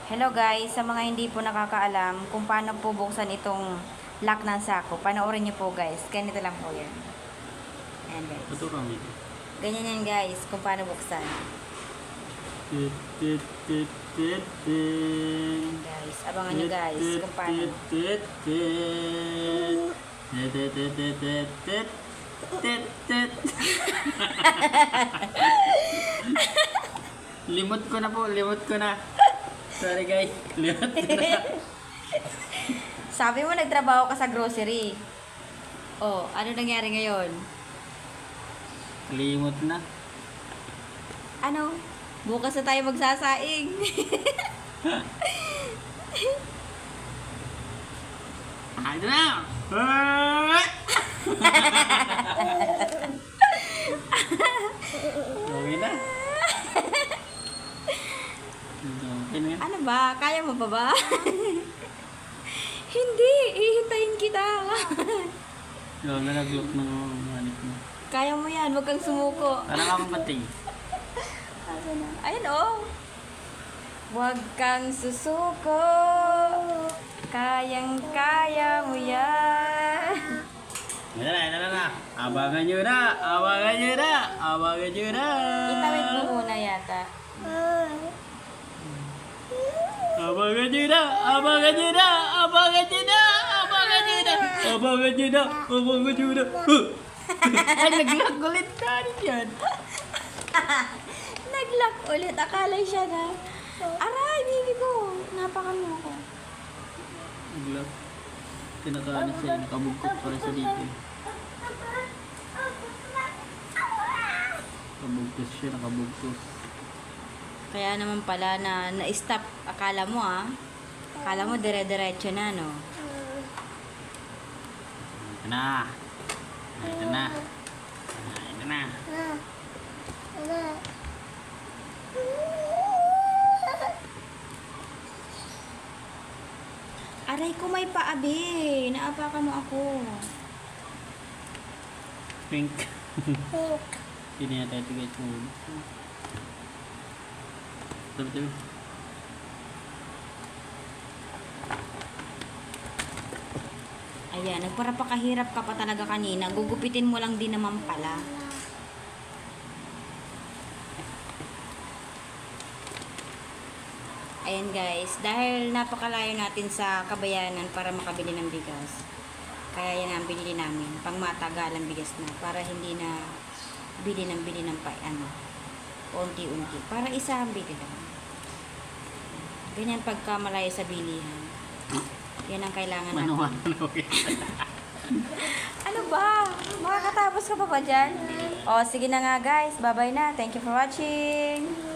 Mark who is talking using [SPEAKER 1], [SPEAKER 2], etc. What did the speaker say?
[SPEAKER 1] Hello guys, sa mga hindi po nakakaalam kung paano po buksan itong lock ng sako, panoorin niyo po guys. Ganito lang po yan. Ayan guys.
[SPEAKER 2] Tuturang ito.
[SPEAKER 1] Ganyan yan guys, kung paano buksan. Ayan guys, abangan niyo guys kung paano.
[SPEAKER 2] Limot ko na po, limot ko na. Sorry guys, limot ko na.
[SPEAKER 1] Sabi mo nagtrabaho ka sa grocery. Oh, ano nangyari ngayon?
[SPEAKER 2] Limot na.
[SPEAKER 1] Ano? Bukas na tayo magsasaing.
[SPEAKER 2] Ano na? Okay na. Okay na yan.
[SPEAKER 1] Ano ba? Kaya mo pa ba? Hindi, ihintayin kita.
[SPEAKER 2] Yung nalaglock ng manik mo.
[SPEAKER 1] Kaya mo yan, huwag kang sumuko.
[SPEAKER 2] Parang akong pating.
[SPEAKER 1] Ayun oh. Huwag kang susuko. Kayang-kaya mo yan.
[SPEAKER 2] Ito na. Abangan nyo na. Abangan nyo na. Abangan nyo na.
[SPEAKER 1] Itawid mo muna yata.
[SPEAKER 2] Abangan nyo na. Abangan nyo na. Abangan nyo na. Abangan nyo na. Abangan nyo na. Abangan nyo na. Ay, nag-lock ulit na rin yan.
[SPEAKER 1] Nag-lock ulit. Akala siya na. Aray, baby ko. Napakan mo ako.
[SPEAKER 2] Nag-lock. Kinakaano siya. Nakabugkot para sa dito. Nakabugkos siya. Nakabugkos.
[SPEAKER 1] Kaya naman pala na-stop. Akala mo Akala mo dire-diretso na, no?
[SPEAKER 2] Ito na. Ito na. Ito na.
[SPEAKER 1] Aray ko may paabi. Naapakan mo ako.
[SPEAKER 2] Pink. Hindi na tayo tigay ito. Tabi.
[SPEAKER 1] Ayan, nagparapakahirap ka pa talaga kanina. Gugupitin mo lang din naman pala. Ayan guys, dahil napakalayo natin sa Kabayanan para makabili ng bigas. Kaya yan ang binili namin. Pang matagalang bigas na. Para hindi na bili ng unti-unti. Para isa ang bili lang. Ganyan pagka malayo sa bilihan. Yan ang kailangan natin. Ano ba? Makakatapos ka pa ba dyan? O, sige na nga guys. Bye-bye na. Thank you for watching.